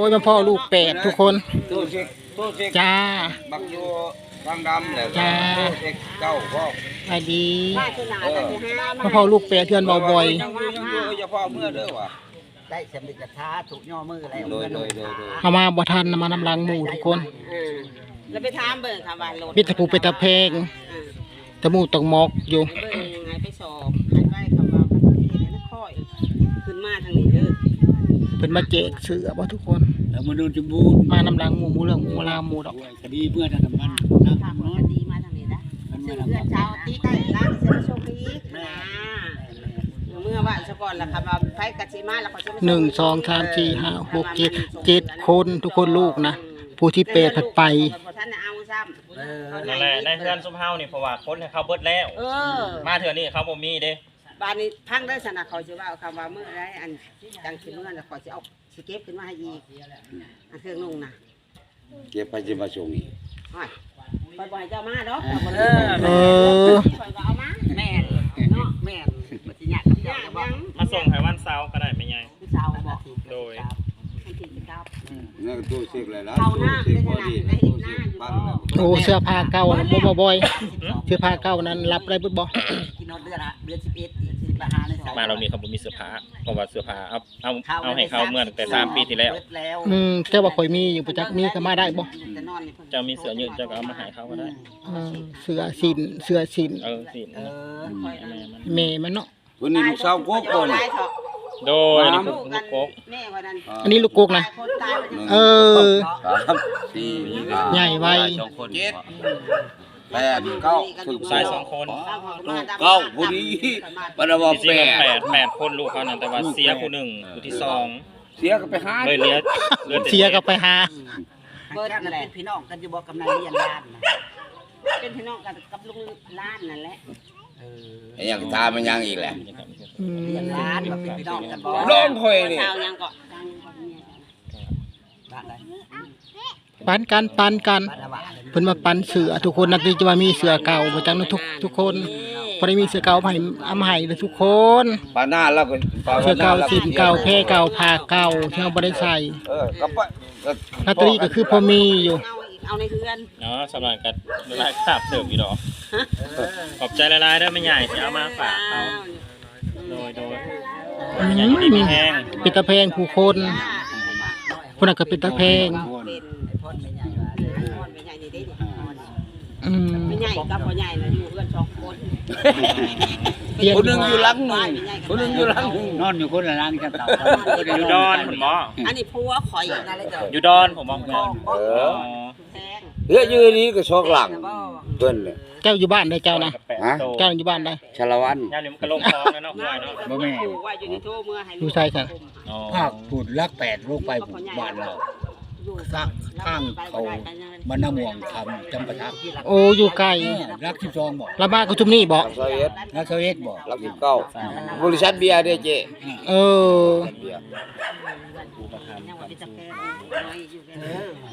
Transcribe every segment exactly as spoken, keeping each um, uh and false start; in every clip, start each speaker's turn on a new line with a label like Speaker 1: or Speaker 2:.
Speaker 1: ยมาพ่อลูกแปดทุกคน
Speaker 2: ตู้เช็คตู้เช็ค
Speaker 1: จ้า
Speaker 2: บักโยทางดำแหละ
Speaker 1: จ้า
Speaker 2: ตู้เช็คเก้าพ่อ
Speaker 1: ไปดี
Speaker 2: เออ
Speaker 1: มาพ่อลูกแปดเทือนเบาบ่อย
Speaker 2: ยังอยู่ยังอยู่อย่าพ่อเมื่อเด้อว่ะ
Speaker 3: ได้สำเร็จกระทาถูกย่อมือแล้ว
Speaker 2: โดยโดยโดยโดย
Speaker 1: เอามาบ่ทันมาน้ำลังหมู่ทุกคน
Speaker 4: แล้วไปถามเบิ่งค่ะว่ารถ
Speaker 1: มิตรภูเป็นตะเพงตะมูตกมอกอยู่
Speaker 4: เบิ่งไงไปสอบหันไปคำว่ามันเฮ็ดให้ค่อยขึ้นมาทางนี้เด้อ
Speaker 1: เพิ่นมาแจกเสือบ่ทุกคน
Speaker 3: แล้วมาโดนจมูก
Speaker 1: มาน้ำลังหมู่หมู่เรื่องหมู่ลาวหมู่ดอก
Speaker 3: คดีเพื่อทางน้ำมัน
Speaker 4: ถามว่าดีมาทางนี้นะซึ่งเพื่อนชาวตีใกล้ร้านเสื้อโชคดีนะเมื่อว่าซะก่อนล่ะค่ะว่าไผกะสิมาแล้วเขาจะ
Speaker 1: หนึ่งสองสามสี่ห้าหกเจ็ดเจ็ดคนทุกคนลูกนะผู้ที่แปดผัดไป
Speaker 4: ท่านเอาซ้ำ
Speaker 5: นั่นแหละในเพื่อนซุมเฮานี่เพราะว่าคนให้เขาเบิดแล้ว
Speaker 4: เออ
Speaker 5: มาเถื่อนี่เขาบ่มีเด้
Speaker 4: บ้านนี้พังได้สนะเขาสิว่าเอาคำว่าเมื่อไรอันจังสิเมื่อแล้วเขาสิเอาสิเก็บขึ้นมาให้อีกอันเครื่องนุ่งน่ะ
Speaker 2: เก็บไปจะมาส่งอีก
Speaker 4: ไปบ่ให้เจ้ามาดอก
Speaker 3: เออ
Speaker 1: เออ
Speaker 4: คอยก็เอามาแม่นเนาะแม่นบ่สิยากกับเจ้าบ่
Speaker 5: มาส่งให้วันเสาร์ก็ได้ไม่ใหญ่
Speaker 4: ผู้สาวบอก
Speaker 5: โดย
Speaker 4: ให้กินครับ
Speaker 2: นั่นตู้เช็คเลยนะ
Speaker 4: เข้าห
Speaker 2: ตู้
Speaker 4: น้า
Speaker 2: เช็ค
Speaker 4: ได้
Speaker 2: พอ
Speaker 4: ขนาด
Speaker 2: ดี
Speaker 4: ได้
Speaker 2: ตู้
Speaker 4: เห็นหน้า
Speaker 2: เช็ค
Speaker 4: อยู่
Speaker 2: ปั้น
Speaker 4: บ่
Speaker 2: แล้ว
Speaker 1: โอ้เสื้อผ้าเก่านะบ่บ่บ่อยเสื้อผ้าเก่านั้นรับได้บ่บ่
Speaker 3: กินนอนเดือนละเดือนสิบเอ็ดอีกสิบห้าในสาย
Speaker 5: มาเรานี่เขาบ่มีเสื้อผ้าเพราะว่าเสื้อผ้าเอาเอาเอาให้เขาเมื่อตั้งแต่สามปีที่แล้ว
Speaker 3: แล้ว
Speaker 1: อืมแต่ว่าข่อยมีอยู่ประจักษ์มีก็มาได้บ่
Speaker 4: แต่นอนนี่เพิ่น
Speaker 5: เจ้ามีเสื้อยืดเจ้าก็เอามาให้เขาก็ได้
Speaker 1: เออเสื้อสินเสื้อสิน
Speaker 5: เออสิ
Speaker 3: เออ
Speaker 1: แม่มันเนาะ
Speaker 2: วันนี้ลูกสาวโก้ก่อน
Speaker 4: ตายเถอะ
Speaker 5: โดยนี่คือ
Speaker 4: ลูก
Speaker 5: ลู
Speaker 4: กั
Speaker 5: ก
Speaker 4: น
Speaker 5: โก๊ก
Speaker 4: แม่ว่านั้น
Speaker 1: อันนี้ลูกกกนะ
Speaker 4: คนตายไป
Speaker 1: เออ
Speaker 2: สามสี่ห้า
Speaker 1: ใหญ่ไว
Speaker 2: สองคนเจ็ดแปดเก้าถึง
Speaker 5: ชายสองคน
Speaker 2: เก้าพอดีบรรดา
Speaker 5: จริง
Speaker 2: แป
Speaker 5: ๆแป
Speaker 2: ด
Speaker 5: ดแปดคนลูกเขานั่นแต่ว่าเสียผู้หนึ่งผู้ที่สอง
Speaker 2: เสียก็ไปหา
Speaker 5: เลยเหลือเหลือแต่
Speaker 1: เสียก็ไปหา
Speaker 3: เบิร์ดนั่นแหละพี่น้องกันอยู่บ่กำนันเรียนล้าน
Speaker 4: เป็นพี่น้องกันกับลุงล้านนั่นแหละ
Speaker 3: เออ
Speaker 2: ไอ้ยังตามมันยังอีกแหละ
Speaker 1: อืม
Speaker 3: เรียนล้านมาเป็นพี่น้องกันบ่
Speaker 2: ร้องคอยนี่
Speaker 4: เช้ายังก็ดังกว่านี้
Speaker 3: บ้านใด
Speaker 1: ปันกันปันกัน
Speaker 3: บ้านอวาเลย
Speaker 1: เพิ่นมาปันเสือทุกคนนักที่จะว่ามีเสือเก่าประจังทุกทุกคนพอได้มีเสือเก่ามาให้เอามาให้เลยทุกคน
Speaker 2: ปาหน้าแล้วก็
Speaker 1: เสือเก่าสินเก่าแพร่เก่าผ้าเก่าที่เราบ่ได้ใส่
Speaker 2: เออก็ปะก็
Speaker 1: ลอตเตอรี่ก็คือพอมีอยู่
Speaker 4: เอาอีกเอาในเฮือน
Speaker 5: เนาะสำหรับกันหลายคราบเสิร์ฟอีดอกขอบใจหลายๆเด้อไม่ใหญ่ที่เอามาฝากเขาโดยโดย
Speaker 1: อื
Speaker 5: ไม่ใหญ่อยู่ดีมีแห้ง
Speaker 1: เป็นตะแพงผู้คนคนนั้นก็เป็นตะแพง
Speaker 4: เป็น
Speaker 3: ไอ้พ่นไม่ใหญ่ว่า
Speaker 4: นอนไม่ใหญ่นี่ได้ดิ
Speaker 1: อืม
Speaker 4: ไม่ใหญ่กับพ่อใหญ่น่ะอยู่เฮือนสองคน
Speaker 1: เรียน
Speaker 2: คนหนึงอยู่หลังหนึงคนหนึงอยู่หลังหนึง
Speaker 3: นอนอยู่คนละร่างกันเต่า
Speaker 5: อยู่ดอนผมบอก
Speaker 4: อันนี้ผัวข่อยนั่นแหละจ้ะ
Speaker 5: อยู่ดอนผมบอก
Speaker 4: ของ
Speaker 2: เอ
Speaker 4: บ่
Speaker 2: อ
Speaker 4: แพง
Speaker 2: เฮ้ยยืนนี้ก็ชอกหลังเพิ่นเลย
Speaker 1: เจ้าอยู่บ้านได้เจ้านะ
Speaker 2: ฮะ
Speaker 1: เจ้าอยู่บ้านได้
Speaker 2: ชาละวัน
Speaker 5: ย่านนี้มันก็ลงคลองแล้วเนาะควายเนาะ
Speaker 3: บ่แม่
Speaker 4: ผูกไว้อยู่ในโทเมื่อให้
Speaker 1: อยู่ใส่ค่ะ
Speaker 5: อ๋อ
Speaker 3: ภาคพูดลักแปดลูกไปบ้านเราสร้างข้างเขาบ้านน้ำม่วงคำจำปาทัก
Speaker 1: โอ้อยู่ไกล
Speaker 3: รักสิบสองบอก
Speaker 1: ละมาก็ชุมนี่บ่
Speaker 2: รักเอ็ด
Speaker 3: รักเซเวตบอก
Speaker 2: รักสิบเก้าบริษัทเบียร์เด้อเจ๊
Speaker 1: เออ
Speaker 2: เบียร์
Speaker 4: ยังว่าเป็นตะแพงน้อยอยู่แค่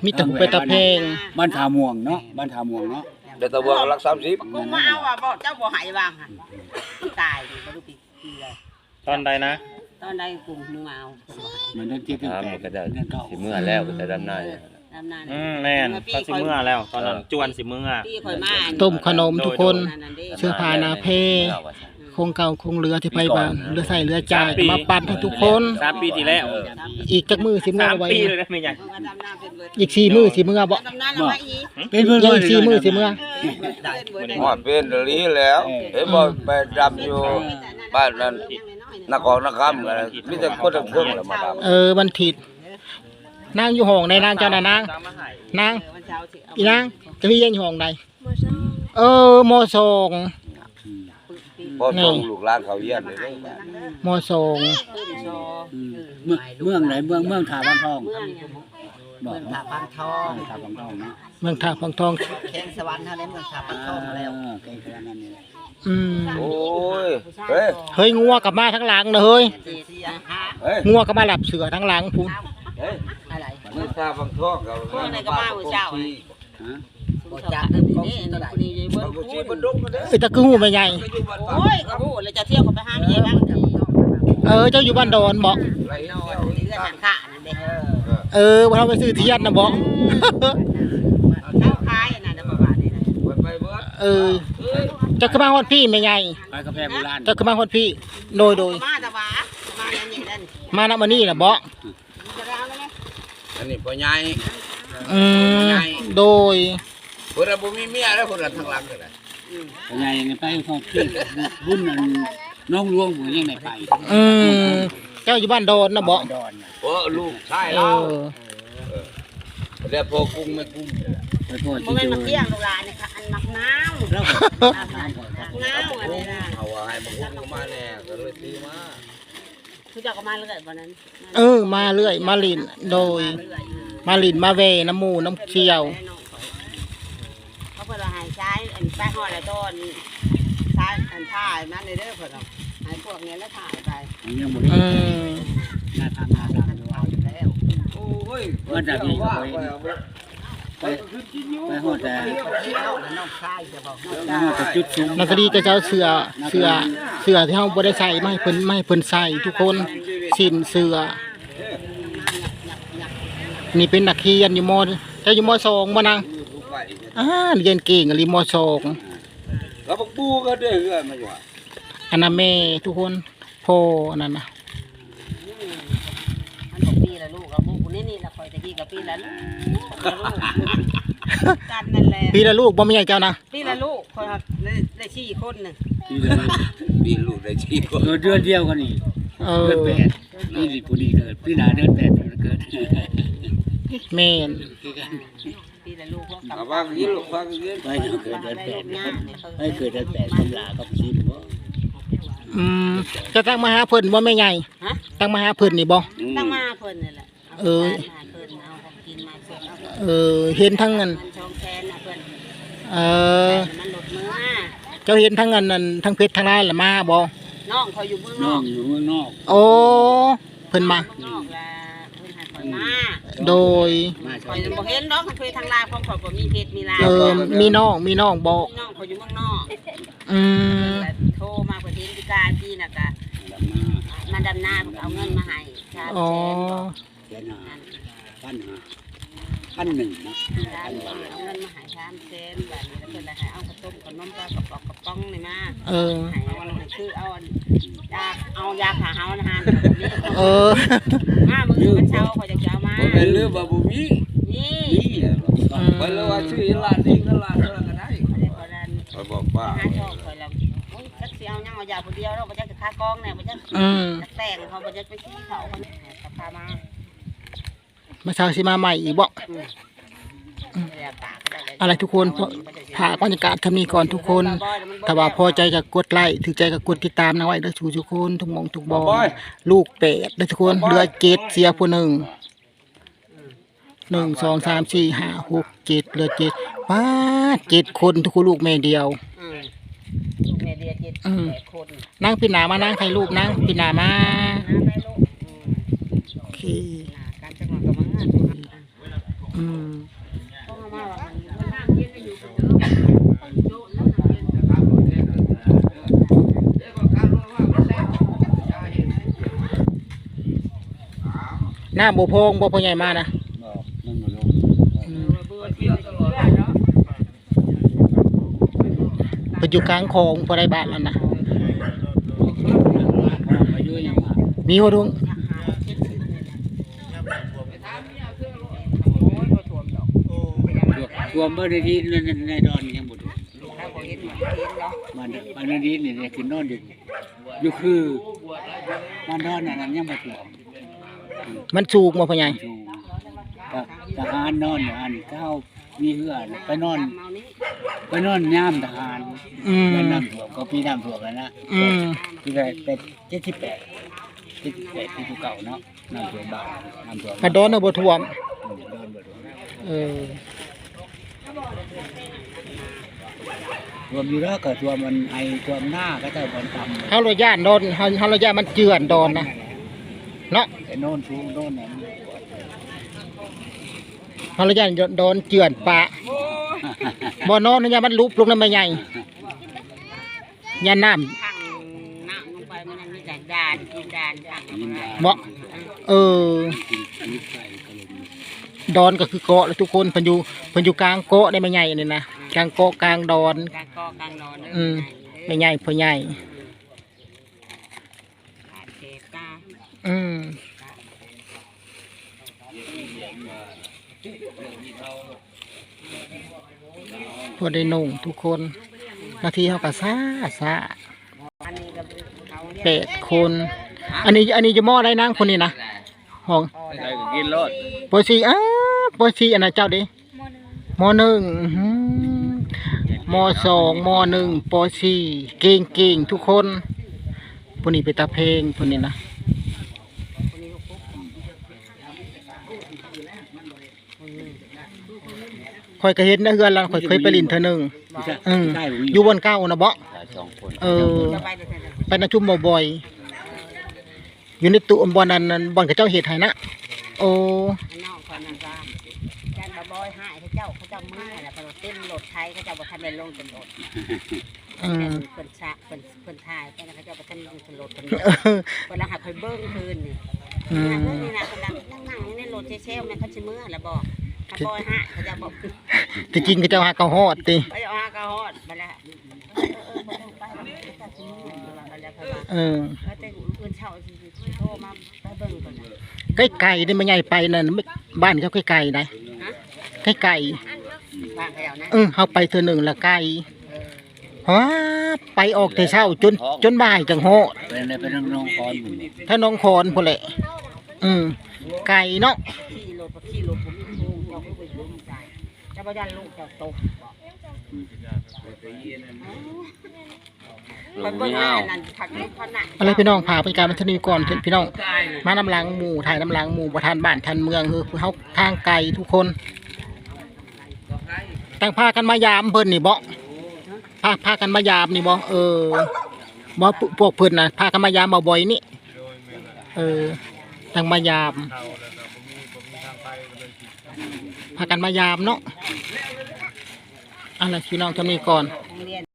Speaker 1: มีแต่ผู้เป็นตะแพง
Speaker 3: บ้านทาม่วงเนาะบ้านทาม่วงเนาะ
Speaker 2: เดี๋ยวตะบวงรักสามสิบ
Speaker 4: กูมาเอาอ่ะบ่เจ้าบ่หายวางหั่นตายนี่บ่รู้ปีปีเลย
Speaker 5: ตอนใดนะ
Speaker 4: ตอนใดกูมึงมาเอา
Speaker 3: เหมือนเดินเจ็ดเดือนแปดเดือนเก้า
Speaker 6: สิเมื่อแล้วก็จะดำนาเนี่ย
Speaker 4: ดำนา
Speaker 5: อืมแม่นเขาสิเมื่อแล้ว ตอนนั้นจวนสิเมื่อ
Speaker 4: พี่ข่อยมา
Speaker 1: ต้มขนมทุกคน
Speaker 4: นั่นเด้
Speaker 1: เสื้อผ้าหนาเพ
Speaker 6: เมื่อว่าซั่น
Speaker 1: คงเก่าคงเรือที่ไปบ้านเรือใส่เรือจ่ายมาปั่นให้ทุกคน
Speaker 5: สามปีที่แล้ว
Speaker 1: อีกจักมือสิเมื่อ
Speaker 5: สาม
Speaker 1: ไว้
Speaker 5: ปีเลยนะไม่ใหญ่
Speaker 4: เพิ่นก็ดำนาเป็นเบิด
Speaker 1: อีกสี่มือสิเมื่อบ่
Speaker 4: ดำนาแล้วมาอีก
Speaker 3: เป็นเพื่อน
Speaker 1: ยังอีกสี่มือสิเมื่อ
Speaker 4: เออเป็นเบิดได้
Speaker 2: หอดเป็นเดลีแล้วเห็นบ่ไปดำอยู่บ้านนั้นนครนครกันมีแต่คนทั้งเครื่องแล้วมาดำ
Speaker 1: เออวันถิดนางอยู่ห้องในนางเจ้าน่ะนาง
Speaker 5: ตามมาให้
Speaker 1: นาง
Speaker 4: เออวันเช้าสิเอา
Speaker 1: อีนางจะพี่ยังอยู่ห้องใดเออมสอง
Speaker 2: พอส่งลูกหลานเขาเยี่ยมเลยเด้อ
Speaker 1: มสอง
Speaker 4: ขึ้นซอ
Speaker 3: เมืองเมืองไหนเมืองเมืองถาบ้านทอง
Speaker 4: เมืองเนี่ย
Speaker 3: บอก
Speaker 7: เมืองท่าพังทอง
Speaker 3: ถาบ้านทองเนาะ
Speaker 1: เมืองท่าพังทอง
Speaker 7: แข้งสวรรค์เท่านั้นเมืองท่าพังทองมาแล้ว
Speaker 3: แกงขนาดนั้นนี่แหละ
Speaker 1: อืม
Speaker 2: โอ้ยเฮ้ย
Speaker 1: เฮ้ยงัวกลับมาทั้งหลังนะเฮ้ย
Speaker 7: เสียฮะ
Speaker 2: เฮ้ย
Speaker 1: งัวก็มาหลับเสือทั้งหลังพูน
Speaker 2: เฮ้ย
Speaker 7: อะไร
Speaker 2: มึงตาบังทอกกับ
Speaker 4: พวกไหนก็มามื้อเช้าอะ
Speaker 3: ฮะ
Speaker 7: บทจัดนั่นนี่ตัวใด
Speaker 4: นี่เบิ่
Speaker 2: บั
Speaker 4: ง
Speaker 2: งกูชีบันดุงกันเด้อ
Speaker 1: เอ้ยตะคือหูไม่ใหญ่
Speaker 2: ก็อยู่บ้านป่า
Speaker 4: โอ้ยก็ฮู้แล้วจะเที่ยวเขาไปหาแม่บ้าง
Speaker 1: เออเจ้าอยู่บ้านดอนบ่
Speaker 2: ไร
Speaker 4: น
Speaker 2: เนาะ
Speaker 4: อนเรือนหางขานั่นเด้
Speaker 7: เออ
Speaker 1: เออบ่เราไปซื้อเทียนน่ะบ่
Speaker 4: เจ้าขายอันนั้นน่ะบ่ว่านี่นะ
Speaker 2: ไปไปเบิด
Speaker 1: เออเจะขึ้นมาฮอดพี่แม่ใหญ่
Speaker 3: ไปกาแฟโบราณ
Speaker 1: เจะขึ้นมาฮอดพี่โดยโดย
Speaker 4: มาแต่ว่ามาอย่างนี้นั่น
Speaker 1: มาณวันนี้น่ะบ่
Speaker 4: จะได้เอาไหม
Speaker 2: อันนี้พ่อใหญ่
Speaker 1: อืมโดย
Speaker 2: เพิ่นบ่มีเมียแล้วเพิ่นทางหลังกันน่ะ
Speaker 3: ยังไงยังไปห้องขึ้นบุญนั้นน้องหลวงผมยังได้ไป
Speaker 1: อืมเจ้าอยู่บ้านโดนน่ะบ่
Speaker 3: ดอนน่ะ
Speaker 2: โอ้ลูกชาย
Speaker 1: เอ
Speaker 2: เรา
Speaker 1: อ
Speaker 2: แล้วพอกุ้งไม่กุ้ง
Speaker 3: ไปโทษ
Speaker 4: บ่
Speaker 3: ที่
Speaker 4: แม่น
Speaker 3: เจอ
Speaker 4: มาเที่ยงลูกหลานนี่ค่ะอันมักน้ำ
Speaker 3: แล้วก็
Speaker 4: มักน้ำอันนี้นะ
Speaker 2: เอาว่าให้มันกุ้งมาแน่ก็เลยตีมา
Speaker 4: คือเจ้าก็มาเรื่อยบ่นั้น
Speaker 1: เออมาเรื่อยมาลินโดย มาลินมาเวน้ำหมูน้ำเชียว
Speaker 4: เขาเพิ่นว่าให้ใช้อันไปฮอดแล้วต้นใช้อันถ่ายมันเด้อเพิ่นเอาให้พวกนี้แล้วถ่ายไป
Speaker 3: ยังบ่ได้
Speaker 1: อืม
Speaker 3: หน้าทางหน้าทาง
Speaker 4: ถ่ายอยู่แล้ว
Speaker 2: โอ้ย
Speaker 3: มันจะมีไปไปไปหอดแต่
Speaker 7: น้องชายจะบอก
Speaker 3: ไปหอดแต่จุดสูง
Speaker 1: นักดีจะเจ้าเสือเสือเสือที่เฮาบ่ได้ใส่ไม่เพิ่นไม่เพิ่นใส่ทุกคนสินเสือ นี่เป็นนักเรียนอยู่มเจ้าอยู่มสองบ่นางอ่าเรียนเก่งอะลีมสอง
Speaker 2: แล้วพวกปูก็ได้เฮือนมาอยู่
Speaker 1: อันนั้นแม่ทุกคนพ่ออันนั้นน่ะ
Speaker 4: มันบอกปีละลูกกับลูกคนนี้นี่ละคอยตะกี้กับปีละลูกกันนั่นแหละ
Speaker 1: พี่ละลูกบ่มีใหญ่เจ้านะ
Speaker 4: ปีละลูกคนครับได้ได้ชี้คนหนึ่ง
Speaker 3: ที่เลย
Speaker 2: มีลูกได้ชีก็
Speaker 3: เกิดเดือนเดียวกันนี่
Speaker 1: เอ
Speaker 3: เดื
Speaker 1: อ
Speaker 3: อนแปดนี่สิผู้ดีเกิดพี่หนาเดือนแปดเกิด
Speaker 1: แม่น
Speaker 4: ปีละลูกพวก
Speaker 2: เอาว่ากินลูกฟังกิน
Speaker 3: ไปเกิดเดือนแปดให้เกิดเดือนแปดตำราก็ชิมบ่
Speaker 1: อืมจะตั้งมาหาเพิ่นบ่แม่ใหญ่
Speaker 4: ฮะ
Speaker 1: ตั้งมาหาเพิ่นนี่บ่
Speaker 4: ตั้งมาเพิ่นนี่แหละ
Speaker 1: เออ
Speaker 4: มาเพิ่นเอาของกินมาส่งเอา
Speaker 1: เออเห็นทั้งนั้น
Speaker 4: มันชองแคนนะเพิ่น
Speaker 1: เออ
Speaker 4: มันหลุดมือมา
Speaker 1: เจ้าเห็นทั้งนั้นนั่นทั้งเพชรทั้งลายละมาบ่
Speaker 4: น้องเขาอยู่เมืองน
Speaker 3: น้
Speaker 4: อ
Speaker 3: อง
Speaker 4: ก
Speaker 3: อยู่เมืองนอก
Speaker 1: โอ้เพิ่นมา
Speaker 4: เมืองนอกละเพิ่นให้คอยมา
Speaker 1: โดย
Speaker 3: มา
Speaker 4: คอยบ่เห็นดอกเคยทางลายของข่อยบ่มีเพชรมีลาย
Speaker 1: เออมีน้องมีน้องบอก
Speaker 4: น้องเขาอยู่เมืองนอก
Speaker 1: อืม
Speaker 4: โทรมาเพิ่นเห็นพิการพี่น่ะก็มาดำนาเอาเงินมาให้ชา
Speaker 1: อ๋อ
Speaker 3: เดือนหาพันหาพันหนึ่งนะ
Speaker 4: เอาเงินมาให้ชามเซนแบบนี้แล้วเพิ่นเลยให้เอาข้าวต้มขนมปลากระป๋องกระป๋องนี่มา
Speaker 1: เออ
Speaker 4: ให้เอาอันนั้นคือเอาอันยาเอายาขาเฮานะฮะ
Speaker 1: เออ
Speaker 4: มามื้อมันเช้าเขาจะเอามา
Speaker 2: บ่เป็นเรื่องบ่บ่มี
Speaker 4: นี่
Speaker 3: นี่
Speaker 2: ไปเลยว่าชื่อร้านนี้ก็ร้านเท่านั้นก็ได้
Speaker 4: อันนี้ก็ดัน
Speaker 2: ไปบอกป้า
Speaker 4: หาช่องข่อยแล้วโอ้ยจักสิเอายังเอายาผู้เดียวเราบ่จักจะคากองแน่บ่จัก
Speaker 1: อืม
Speaker 4: จักแต่งเขาบ่จักไปชี้เขาเขาก็พามา
Speaker 1: มาเช้าสิมาใหม่อีกบ่ อะไรทุกคนถ่ายบรรยากาศทำนี้ก่อนทุกคน ถ้าว่าพอใจก็กดไลค์ถือใจก็กดติดตามนะไว้เด้อทุกทุกคนทุกหมองทุกบอลลูกแปดเด้อทุกคนเหลือเจ็ดเสียผู้หนึ่งหนึ่งสองสามสี่ห้าหกเจ็ดเหลือเจ็ดว้าเจ็ดคนทุกคนลูกแม่เดียว
Speaker 4: อืมลูกแม่เดียเจ็ด
Speaker 1: อืม
Speaker 4: แปดคน
Speaker 1: นั่งปีหนามานั่งถ่ายรูปนั่งปีหนามา
Speaker 4: น้าไปลูกอืม
Speaker 1: โอเค
Speaker 4: น่ะการจังหวะก็มังอ่ะ
Speaker 1: อืม
Speaker 4: ต้องเอามาว่ามันน้ำเย็นก็อยู่กันเด้อโดนแล้วน้ำเย็น
Speaker 1: หน้าโบโพงโบโพงใหญ่มานะ
Speaker 3: บอกมันบ่ลง
Speaker 1: อืม
Speaker 4: เบื่อเที่ยวตลอดเนาะ
Speaker 1: ไปอยู่กลางคลองพอได้บ้านแล้วนะ
Speaker 3: อายุยังมา
Speaker 1: มีหัวดวง
Speaker 4: โอ้ยบ่ท่วมดอก
Speaker 3: รวมเบอร์ในที่ในดอนยังบ่ถูก
Speaker 4: ถ้าบ่เห็นมันเห็นเนาะ
Speaker 3: มันมันในนี้นี่คือนอนอยู่อยู่คือมันดอนนั่นยังบ่ถูก
Speaker 1: มันสูงบ่พ่อใหญ่
Speaker 3: อยู่กับทหารนอนอยู่อันเก้ามีเหือไปนอน
Speaker 4: ตามเมานี้
Speaker 3: ไปนอนย่ามทหาร
Speaker 1: อืม
Speaker 3: แล้วน้ำท่วมก็ปีน้ำท่วมแล้วนะ
Speaker 1: อืม
Speaker 3: ที่ได้เป็นเจ็ดสิบแปดเจ็ดสิบแปดที่ภูเก่าเนาะน้ำท่วมบ้านน้ำท่วม
Speaker 1: กระโดนเอาบ่ท่วม
Speaker 3: อืมโดนบ่ท่วม
Speaker 1: เออ
Speaker 3: ท่วมอยู่แล้วก็ท่วมมันไอท่วมหน้าก็จะบอลต่ำ
Speaker 1: เฮาระยะโดนเฮาเฮาระยะมันเจือนโดนนะเนาะ
Speaker 3: ไอ้โน่นสูงโน่นนั้น
Speaker 1: เฮาระยะโดนเจือนปะบ่นอนระยะมันลุบลงน้ำใบใหญ่ยาน้ำ
Speaker 4: ทางน้ำลงไปมันยังมีแต่ด่านกินด่านทาง
Speaker 3: ยินดา
Speaker 1: บ่เออ
Speaker 3: กินอันนี้ไก่ก็เลยมี
Speaker 1: ดอนก็คือเกาะแล้วทุกคนเพิ่นอยู่เพิ่นอยู่กลางเกาะได้ไม่ใหญ่นี่นะกลางเกาะกลางดอน
Speaker 4: กลางกอกลางนอน
Speaker 1: อืมไม่ใหญ่พอใหญ่
Speaker 4: เทกา
Speaker 1: อืมพวกได้นุ่งทุกคนนาทีเขาก็ซ่าซ่า
Speaker 4: อันนี้ก็เขา
Speaker 1: แปดคน อันนี้อันนี้จะหม้อได้นั่งคนนี้นะห้อง
Speaker 6: ใครก็กินรถ
Speaker 1: ปอซีอ้าปอซีอันนั้นเจ้าดิมหนึ่งอื้อหือมสองมหนึ่งปอซีเก่งเก่งทุกคนพวกนี้ไปตาเพลงพวกนี้นะคอยก็เห็นนะเฮือนเราคอยเคยไปลินเธอหนึ่งอืมอยู่บนเก้านะเบาะ
Speaker 6: หลายสองคน
Speaker 1: เออ
Speaker 4: จะไปเดี๋ยวจะ
Speaker 1: ไปนะชุ่มบ่อยๆอยู่ในตู้บอลนั้นนั้นบอลกับเจ้าเห็ดให้นะโอ้
Speaker 4: อันนอกคนนั้นว่าจันบะบอยหายเขาเจ้าเขาเจ้ามือแล้วก็เต้นรถไทยเขาเจ้าบ่ทันได้ลงเป็นรถ
Speaker 1: อืม
Speaker 4: เพิ่นชะเพิ่นเพิ่นถ่ายไปแล้วเขาเจ้าบ่ทันลงเป็นรถเพิ่น
Speaker 1: เออ
Speaker 4: เวลาหาคอยเบิ้งคืนนี่
Speaker 1: อื
Speaker 4: นี่
Speaker 1: ม
Speaker 4: นะเบิ้งนี่นะกำลังนั่งนั่งอยู่ในรถเชลๆแม่เขาชิมือแล้วบอกถ้าบอยหายเขาจะบอก
Speaker 1: ที่จริงเขาเจ้าหาเขาฮอดติ
Speaker 4: ไปเอาหากระหอดมาแล้วเออเออบ่ต้องไปแล้วเขาชิมือแล้วเขาว่า
Speaker 1: เออ
Speaker 4: เออแต่อื่นเช่าสิโทรมาไปเบิ้งก่อนนะ
Speaker 1: ใกล้ไก่ได้ไม่ใหญ่ไปนั่นไม่บ้านเขาใกล้ไก่ได้
Speaker 4: ฮะ
Speaker 1: ใกล้ไก่
Speaker 4: บ้านเขาเอานะ
Speaker 1: เออเขาไปเธอหนึ่งละไก่ฮะไปออกแต่เช้าจนจนบ่ายจังฮอด
Speaker 3: เป็นในเป็นน้องคอนอยู่
Speaker 1: ถ้าน้องคอนพุ่นแหละอืมไก่เนาะ
Speaker 4: ขี่รถขี่รถผมมีลูกเจ้าก็ไปลูกใจจะบ่ยันลูกเจ้าตกไปเบิ้งหน้านั่นผักนี่เขาหนัก
Speaker 1: อะไรพี่น้องพาไปการบันเทิงก่อนพี่น้องมาน้ำล้างหมู่ถ่ายน้ำล้างหมู่ประธานบ้านทันเมืองคือเขาทางไกลทุกคนตั้งพากันมายามเพิ่นนี่บ่พาพากันมายามนี่บ่เออบ่พวกเพิ่นน่ะพากันมายามบ่บ่อยนี่เออตั้งมายามพากันมายามเนาะอะไรพี่น้องจะมีก่อน
Speaker 4: เรียน